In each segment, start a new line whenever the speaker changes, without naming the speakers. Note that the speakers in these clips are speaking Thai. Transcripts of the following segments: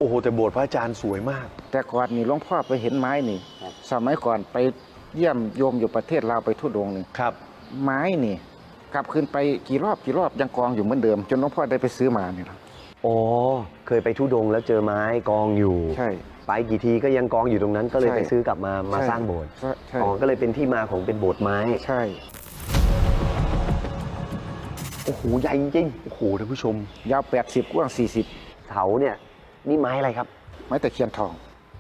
โหแต่โบสถ์พระอาจารย์สวยมาก
แต่ก่อนนี่หลวงพ่อไปเห็นไม้นี่สมัยก่อนไปเยี่ยมโยมอยู่ประเทศลาวไปทุดงค์นี่
ครับ
ไม้นี่กลับขึ้นไปกี่รอบยังกองอยู่เหมือนเดิมจนหลวงพ่อได้ไปซื้อมานี่นะ
อ๋อเคยไปทุดงค์แล้วเจอไม้กองอยู่
ใช่
ไปกี่ทีก็ยังกองอยู่ตรงนั้นก็เลย
ใช่
ไปซื้อกลับมาสร้างโบสถ์
ใช่
อ๋อก็เลยเป็นที่มาของเป็นโบสถ์ไม้
ใช่
โอ้โหใหญ่จริง
โอ้โหท่านผู้ชม
ยาว80กว้าง40
เสาเนี่ยนี่ไม้อะไรครับ
ไม้ตะเคียนทอง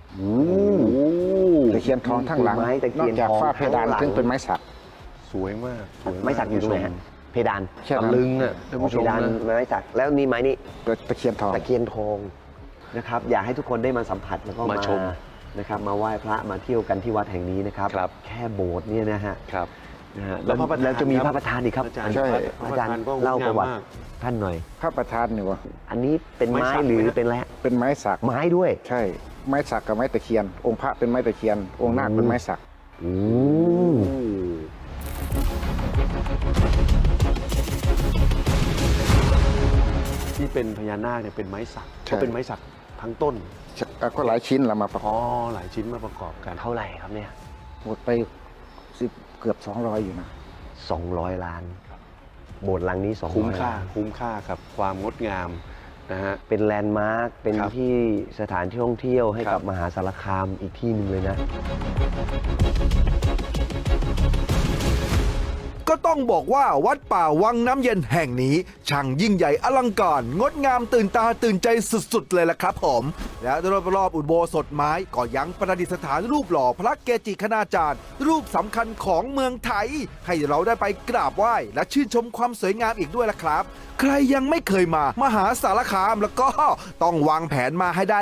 ตะ
ตะเคียนทองทั้งหลัง
ไม้ตะเคียน
นอกจาก
ทอง
ฝ้าเพดาน
ทั้งหลัง
ซึ่งเป็นไม้สัก
สวยมากสวยาก
ไม้สักอยู่ตรงไหนฮะเพดาน
แค่นั้น
ตะลึงอ่ะท่านผู้ช
เพ
ม
ดาน
นะ
ไม้สักแล้วนี่ไม้นี่
ตะเคียนทอง
ตะเคียนทองนะครับ อยากให้ทุกคนได้มาสัมผัสแล้วก็
มาชม
นะครับมาไหว้พระมาเที่ยวกันที่วัดแห่งนี้นะครับ
ครับ
แค่โบสถ์เนี่ยนะฮะ
ครับ
นะฮะ
แล้วพระประธาน
แล้วจะมีพระประธานอีกครับ
อาจารย์
ใช่
พระประธานก็
เล่าประวัติ
งมมก
ท่านหน่อย
พระประธานนี่วะ
อันนี้เป็นไม้
ไม้สัก
หรือ
ไหมฮะ
เป็นอะไรฮะ
เป็นไม้สัก
ไม้ด้วย
ใช่ไม้สักกับไม้ตะเคียน องค์พระเป็นไม้ตะเคียน องค์นาคเป็นไม้สัก
อืม
ที่เป็นพญานาคเนี่ยเป็นไม้สักก็เป็นไม้สักทั้งต้น
ก็หลายชิ้นละมาประก
อ๋
อ
อบ หลายชิ้นมาประกอบกัน
เท่าไหร่ครับเนี่ย
หมดไปเกือบ200อยู่นะ
200 ล้าน โบสถ์หลังนี้200
คุ้มค่า
ล้าน
คุ้มค่าครับความงดงามนะฮะ
เป็นแลนด์มาร์คเป็น
ครับ
ที่สถานที่ท่องเที่ยวให้
ครั
กับบ มหาสารคามอีกที่หนึ่งเลยนะ
ก็ต้องบอกว่าวัดป่าวังน้ำเย็นแห่งนี้ช่างยิ่งใหญ่อลังการงดงามตื่นตาตื่นใจสุดๆเลยล่ะครับผม และรอบๆอุโบสถไม้ก็ยังประดิษฐานรูปหล่อพระเกจิคณาจารย์ รูปสำคัญของเมืองไทย ให้เราได้ไปกราบไหว้และชื่นชมความสวยงามอีกด้วยล่ะครับ ใครยังไม่เคยมามหาสารคามแล้วก็ต้องวางแผนมาให้ได้